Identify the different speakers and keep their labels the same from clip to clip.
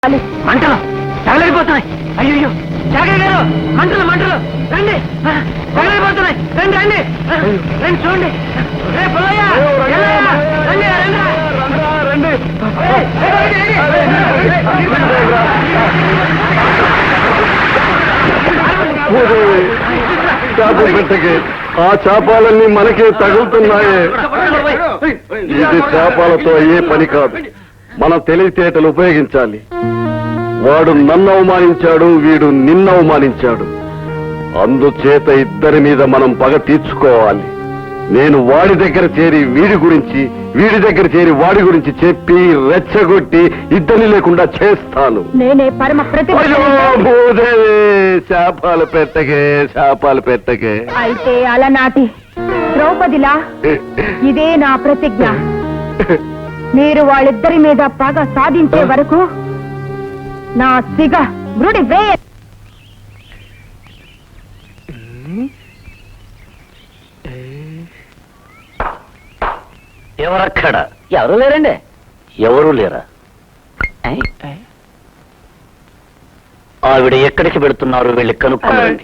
Speaker 1: మంటలు తగలైపోతున్నాయి. అయ్యో జాగయ్య గారు, మంటలు మంటలు, రండి, తగలైపోతున్నాయి, రండి రండి రండి, చూడండి.
Speaker 2: చేపలు పెట్టకే, ఆ చేపాలన్నీ మనకే తగులుతున్నాయే. ఇది చేపాలతో అయ్యే పని కాదు, మన తెలివితేటలు ఉపయోగించాలి. వాడు నన్ను అవమానించాడు, వీడు నిన్ను అవమానించాడు. అందుచేత ఇద్దరి మీద మనం పగ తీర్చుకోవాలి. నేను వాడి దగ్గర చేరి వీడి గురించి, వీడి దగ్గర చేరి వాడి గురించి చెప్పి రెచ్చగొట్టి ఇద్దరిని లేకుండా చేస్తాను.
Speaker 3: నేనే పరమ
Speaker 2: శాపాలు పెట్టకే, శాపాలు పెట్టకే.
Speaker 3: అయితే అలనాటి ద్రౌపదిలా ఇదే నా ప్రతిజ్ఞ. మీరు వాళ్ళిద్దరి మీద పగ సాధించే వరకు నా సిగ మృడి వే.
Speaker 1: ఎవరక్కడ? ఎవరు లేరండి. ఎవరు లేరా? ఆవిడ ఎక్కడికి వెళుతున్నారు? వెళ్ళి కనుక్కోండి.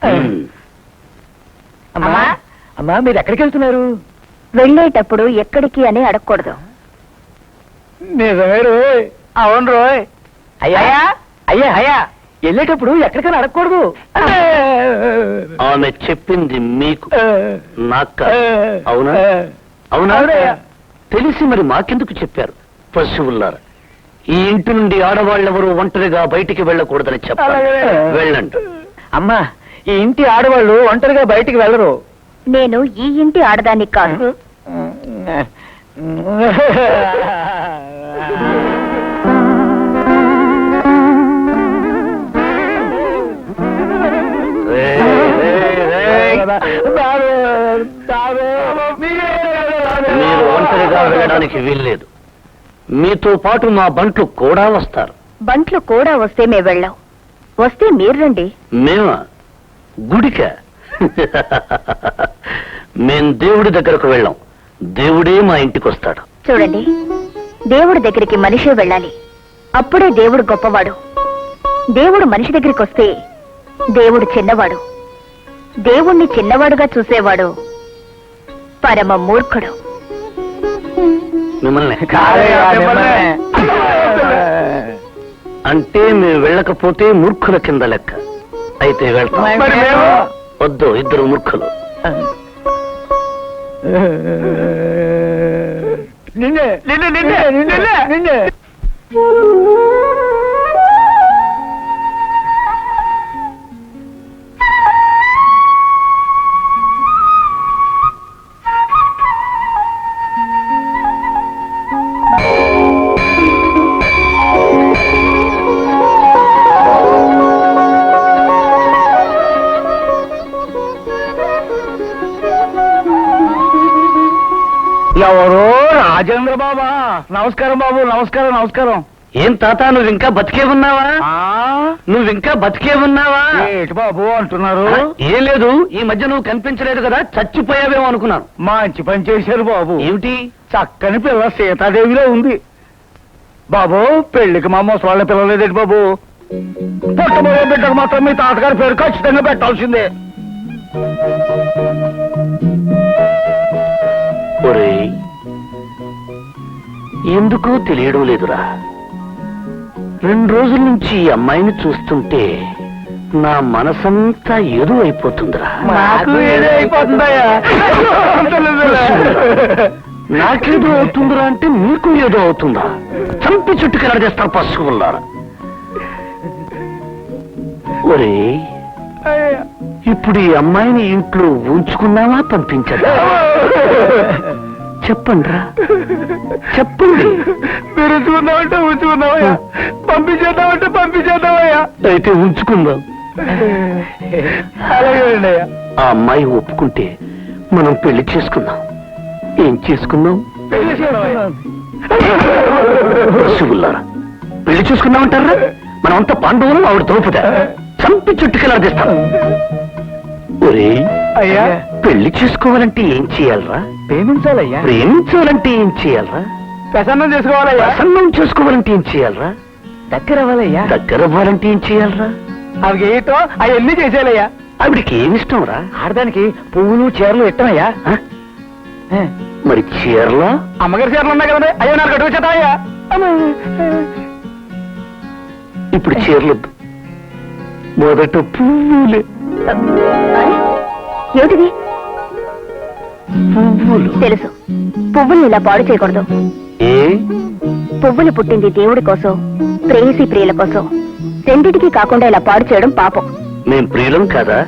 Speaker 1: అమ్మా, మీరు ఎక్కడికి వెళ్తున్నారు?
Speaker 3: వెళ్ళేటప్పుడు ఎక్కడికి అని అడగకూడదు.
Speaker 1: నిజమే రోయ్. అవును రోయ్. అయ్యా అయ్యా అయ్యా, వెళ్ళేటప్పుడు ఎక్కడికైనా అడగకూడదు. ఆమె చెప్పింది మీకు, నాకు. అవునా? అవునా? తెలిసి మరి మాకెందుకు చెప్పారు? పశువుల్లారా, ఈ ఇంటి నుండి ఆడవాళ్ళెవరూ ఒంటరిగా బయటికి వెళ్ళకూడదని చెప్పారు. వెళ్ళండి. అమ్మా, ఈ ఇంటి ఆడవాళ్ళు ఒంటరిగా బయటికి వెళ్ళరు.
Speaker 3: నేను ఈ ఇంటి ఆడదాన్ని కాదు.
Speaker 1: మీరు ఒంటరిగా వెళ్ళడానికి వీల్లేదు. మీతో పాటు మా బంట్లు కూడా వస్తారు.
Speaker 3: బంట్లు కూడా వస్తే మేము వెళ్ళాం. వస్తే మీరు రండి.
Speaker 1: మేమా? గుడిక? మేం దేవుడి దగ్గరకు వెళ్ళాం. దేవుడే మా ఇంటికి వస్తాడు.
Speaker 3: చూడండి, దేవుడి దగ్గరికి మనిషే వెళ్ళాలి. అప్పుడే దేవుడు గొప్పవాడు. దేవుడు మనిషి దగ్గరికి వస్తే దేవుడు చిన్నవాడు. దేవుణ్ణి చిన్నవాడుగా చూసేవాడు పరమ మూర్ఖుడు.
Speaker 1: మిమ్మల్ని అంటే మేము వెళ్ళకపోతే మూర్ఖుల కింద లెక్క. అయితే వెళ్తాం. వద్దు, ఇద్దరు మూర్ఖులు.
Speaker 4: ఎవరో రాజేంద్ర బాబా. నమస్కారం బాబు. నమస్కారం. నమస్కారం.
Speaker 1: ఏం తాత, నువ్వు ఇంకా బతికే ఉన్నావా? నువ్వు ఇంకా బతికే ఉన్నావా?
Speaker 4: ఏంటి బాబు అంటున్నారు?
Speaker 1: ఏం లేదు, ఈ మధ్య నువ్వు కనిపించలేదు కదా, చచ్చిపోయావేమో అనుకున్నాను.
Speaker 4: మంచి పని చేశారు బాబు.
Speaker 1: ఏమిటి?
Speaker 4: చక్కని పిల్ల సీతాదేవిలో ఉంది బాబు. పెళ్లికి మా ముసలాళ్ళ పిల్లలేదేంటి బాబు? పుట్టబోయే బిడ్డకు మాత్రం మీ తాతగారి పేరు ఖచ్చితంగా పెట్టాల్సిందే.
Speaker 1: ఒరేయ్, ఎందుకో తెలియడం లేదురా. 2 రోజుల నుంచి ఈ అమ్మాయిని చూస్తుంటే నా మనసంతా ఏదో అయిపోతుందిరా. నాకేదో అవుతుందిరా అంటే మీకు ఏదో అవుతుందా? చంపి చుట్టుకెళ్ళ చేస్తారు పశువుల్లారా. ఒరే, ఇప్పుడు ఈ అమ్మాయిని ఇంట్లో ఉంచుకున్నావా, పంపించదా? చెప్పండిరా, చెప్పండి.
Speaker 4: మీరు ఉంచుకుందామంటే ఉంచుకుందామయ్యా, పంపించేద్దామంటే పంపించేద్దామయ్యా.
Speaker 1: అయితే ఉంచుకుందాం.
Speaker 4: అలాగే
Speaker 1: ఆ అమ్మాయి ఒప్పుకుంటే మనం పెళ్లి చేసుకుందాం. ఏం చేసుకుందాం? పశువుల్లారా, పెళ్లి చూసుకుందామంటారా? మనమంతా పాండవులు, ఆవిడ ద్రౌపది. చంపి చుట్టుకెళ్ళాడిస్తాం. ఒరే
Speaker 4: అయ్యా,
Speaker 1: పెళ్లి చేసుకోవాలంటే ఏం చేయాలరా?
Speaker 4: ప్రేమించాలయ్యా.
Speaker 1: ప్రేమించాలంటే ఏం చేయాలరా?
Speaker 4: ప్రసన్నం చేసుకోవాలయ్యా.
Speaker 1: ప్రసన్నం చేసుకోవాలంటే ఏం చేయాలరా?
Speaker 4: దగ్గర అవ్వాలయ్యా.
Speaker 1: దగ్గర అవ్వాలంటే ఏం చేయాలరా?
Speaker 4: అవి ఏటో అవన్నీ చేసేయాలయ్యా.
Speaker 1: ఆవిడికి ఏమిష్టం రా?
Speaker 4: ఆడదానికి పువ్వులు చీరలు ఇట్టమయ్యా.
Speaker 1: మరి చీరలా?
Speaker 4: అమ్మగారి చీరలు ఉన్నాయి కదండి, అయ్యో నాకు అడుగు చేతాయ్యా.
Speaker 1: ఇప్పుడు చీరలొద్దు, మొదట పువ్వులే.
Speaker 3: ఏమిటిది?
Speaker 1: పువ్వులు.
Speaker 3: తెలుసు, పువ్వుల్ని ఇలా పాడు చేయకూడదు.
Speaker 1: ఏ?
Speaker 3: పువ్వులు పుట్టింది దేవుడి కోసం, ప్రేయసి ప్రియుల కోసం. రెండిటికి కాకుండా ఇలా పాడు చేయడం పాపం.
Speaker 1: మేం ప్రియులం కదా?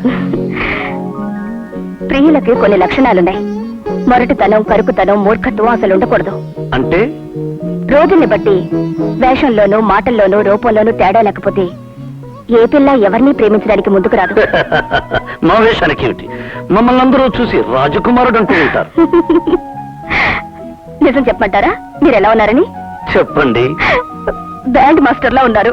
Speaker 3: ప్రియులకి కొన్ని లక్షణాలున్నాయి. మొరటితనం, కరుకుతనం, మూర్ఖత్వం అసలు ఉండకూడదు.
Speaker 1: అంటే
Speaker 3: రోజుల్ని బట్టి వేషంలోనూ, మాటల్లోనూ, రూపంలోనూ తేడా లేకపోతే ఏ పిల్ల ఎవరిని ప్రేమించడానికి ముందుకు రాదు.
Speaker 1: మా వేషానికి ఏమిటి? మమ్మల్ని అందరూ చూసి రాజకుమారుడు అంటూ ఉంటారు.
Speaker 3: నిజం చెప్పమంటారా? మీరు ఎలా ఉన్నారని?
Speaker 1: చెప్పండి.
Speaker 3: బ్యాండ్ మాస్టర్ లా ఉన్నారు.